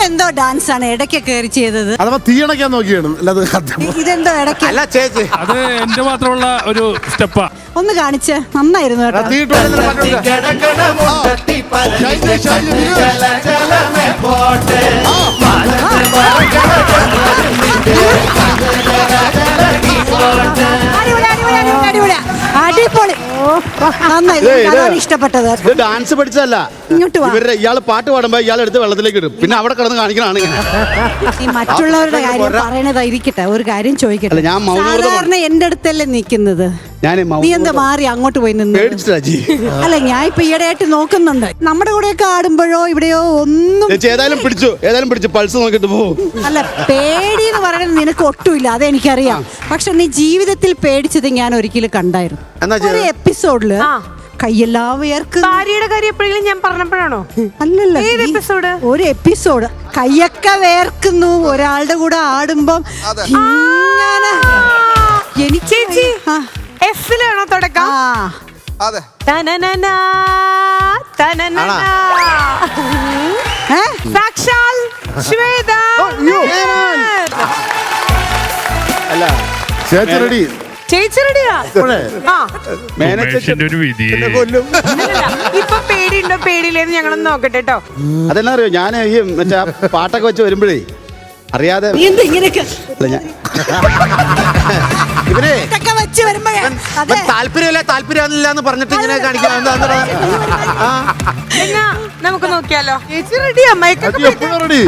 എന്തോ ഡാൻസ് ആണ് ഇടയ്ക്ക് കയറി ചെയ്തത്. അഥവാ തീയണക്കാൻ നോക്കിയാണ്. ഇതെന്തോ ഇടയ്ക്ക് അല്ല ചേച്ചി, അത് എന്റെ മാത്രമുള്ള ഒരു സ്റ്റെപ്പാ. ഒന്ന് കാണിച്ച് നന്നായിരുന്നു കേട്ടോ. അടിപൊളി, നന്നായി, ഇഷ്ടപ്പെട്ടത്. ഡാൻസ് പഠിച്ചതല്ല, ഇങ്ങോട്ട് വാ. ഇയാള് പാട്ട് പാടുമ്പോ ഇയാൾ എടുത്ത് വെള്ളത്തിലേക്ക് ഇടും, പിന്നെ അവിടെ കിടന്ന് കാണിക്കണാണ് ഇങ്ങനെ. ഈ മറ്റുള്ളവരുടെ കാര്യം പറയണതായിരിക്കട്ടെ, ഒരു കാര്യം ചോദിക്കട്ടെ. സാധാരണ എന്റെ അടുത്തല്ലേ നിക്കുന്നത്, നീ എന്താ മാറി അങ്ങോട്ട് പോയി നിന്ന്? അല്ല, ഞാൻ ഇപ്പൊ ഈയിടെയായിട്ട് നോക്കുന്നുണ്ട്, നമ്മുടെ കൂടെയൊക്കെ ആടുമ്പോഴോ ഇവിടെയോ ഒന്നും. ഏതായാലും പിടിച്ചു പൾസ് നോക്കിട്ട് പോകും. അല്ല, പേടി എന്ന് പറയുന്നത് നിനക്ക് ഒട്ടുമില്ല, അതെനിക്കറിയാം. പക്ഷെ നീ ജീവിതത്തിൽ പേടിച്ചത് ഞാൻ ഒരിക്കലും കണ്ടായിരുന്നു. ഒരു എപ്പിസോഡില് കയ്യെല്ലാം വേർക്കും. ഭാര്യയുടെ കാര്യം എപ്പോഴെങ്കിലും ഞാൻ പറഞ്ഞപ്പോഴാണോ? അല്ലല്ല, ഒരു എപ്പിസോഡ് കയ്യൊക്കെ വേർക്കുന്നു ഒരാളുടെ കൂടെ ആടുമ്പം. എനിക്ക് എഫിലാണോ തുടക്കം? അതെ. സാക്ഷാൽ ശ്വേത. അല്ല, ചേച്ചി റെഡി. ചേച്ചി റെഡിയാ? ഇപ്പൊ പേടിയുണ്ടോ പേടിയില്ലെന്ന് ഞങ്ങളൊന്ന് നോക്കട്ടെ കേട്ടോ. അതെന്നാ അറിയോ, ഞാൻ ഈ മറ്റേ പാട്ടൊക്കെ വെച്ച് വരുമ്പോഴേ അറിയാതെ ഇവരെ താല്പര്യമില്ല എന്ന് പറഞ്ഞിട്ട് ഇങ്ങനെ കാണിക്കാം. നമുക്ക് നോക്കിയാലോ? ചേച്ചി റെഡിയാ? റെഡി.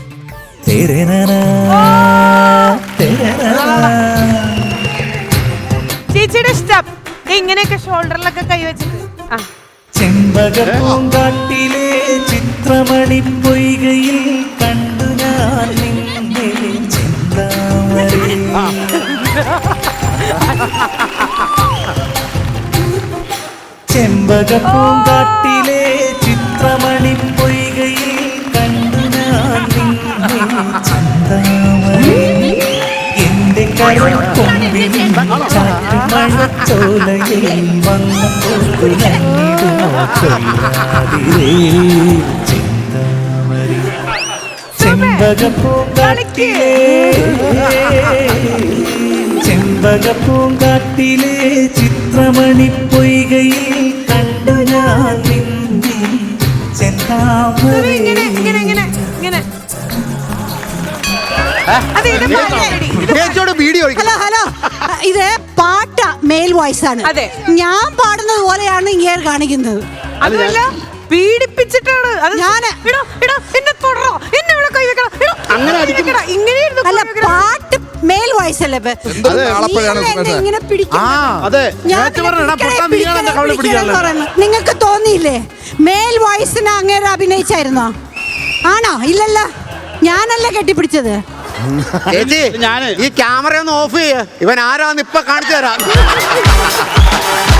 ചേച്ചിയുടെ സ്റ്റെപ്പ് ഇങ്ങനെയൊക്കെ ഷോൾഡറിലൊക്കെ കൈവച്ചിട്ട്. ചെമ്പകപ്പൂങ്കാട്ടിലെ ചിത്രമണി പൊയ്കയിൽ കണ്ടു ഞാൻ നിന്നെ ചിന്താമണി. ചെമ്പകപ്പൂങ്കാട്ടിലെ ചിത്രമണി പൊയ്കയിൽ കണ്ടു ഞാൻ നിന്നെ ചിന്താമണി. എന്റെ കരക്കൊമ്പിൽ ചാറ്റുമഴച്ചോലയിൽ വന്നപ്പോൾ ചിന്താമണി. ചെമ്പകപ്പൂങ്കാട്ടിലെ ചിത്രമണി പൊയ്കയിൽ കണ്ടു ഞാൻ നിന്നെ ചെന്താമണി. ഹലോ, ഇത് പാട്ട മെയിൽ വോയിസ് ആണ്. ഞാൻ പാടുന്നത് പോലെയാണ് ഇങ്ങനെ കാണിക്കുന്നത്. അതല്ല, പീഡിപ്പിച്ചിട്ടാണ്. അല്ല, പാട്ട് മെയിൽ വോയിസ് അല്ലേ? നിങ്ങൾക്ക് തോന്നിയില്ലേ മെയിൽ വോയിസിന് അങ്ങേരെ അഭിനയിച്ചായിരുന്നോ? ആണോ? ഇല്ലല്ലോ, ഞാനല്ല കെട്ടിപ്പിടിച്ചത്. ഈ ക്യാമറ ഒന്ന് ഓഫ് ചെയ്യ, ഇവൻ ആരാന്ന് ഇപ്പൊ കാണിച്ചു തരാം.